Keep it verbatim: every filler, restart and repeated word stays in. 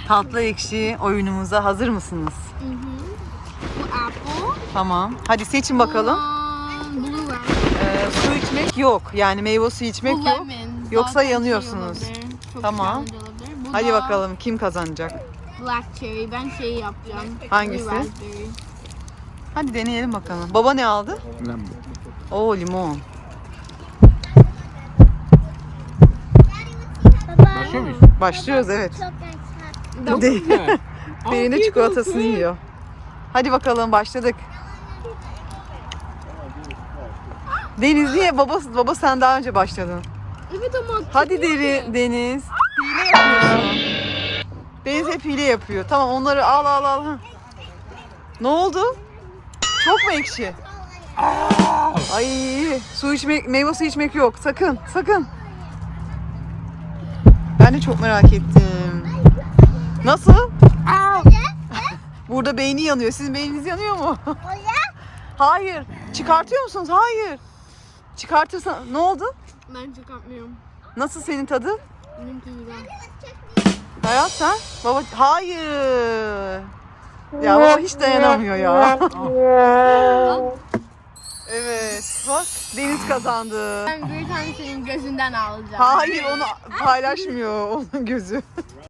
Tatlı ekşi oyunumuza hazır mısınız? Hı hı. Bu apple. Tamam. Hadi seçin bakalım. Um, blue lemon. Ee, su içmek yok. Yani meyve suyu içmek Bu yok. lemon. Yoksa Zaten şey yanıyorsunuz. olabilir, çok Tamam. challenge olabilir. Bu Hadi da bakalım kim kazanacak? black cherry. Ben şey yapacağım. Hangisi? Blue raspberry. Hadi deneyelim bakalım. Baba ne aldı? Lemon. Oo limon. Başlıyor muyuz? Başlıyoruz evet. Çok De- Güzel. Derine Afiyet çikolatasını olsun. yiyor. Hadi bakalım başladık. Deniz niye? Baba, baba sen daha önce başladın. Evet ama Hadi çıkmıyor Deri, ki. Deniz. Hile yapıyorsun. Deniz hep hile yapıyor. Tamam onları al al al. Hah. Ne oldu? Çok mu ekşi? Ay su içmek, meyve suyu içmek yok. Sakın, sakın. Ben de çok merak ettim. Nasıl? Burada beyni yanıyor. Sizin beyniniz yanıyor mu? Hayır. Çıkartıyor musunuz? Hayır. Çıkartırsan ne oldu? Ben çıkartmıyorum. Nasıl senin tadı? Benimki güzel. Hayat sen? Baba hayır. Ya baba hiç dayanamıyor ya. Evet. Bak Deniz kazandı. Ben bir tane senin gözünden alacağım. Hayır onu paylaşmıyor onun gözü.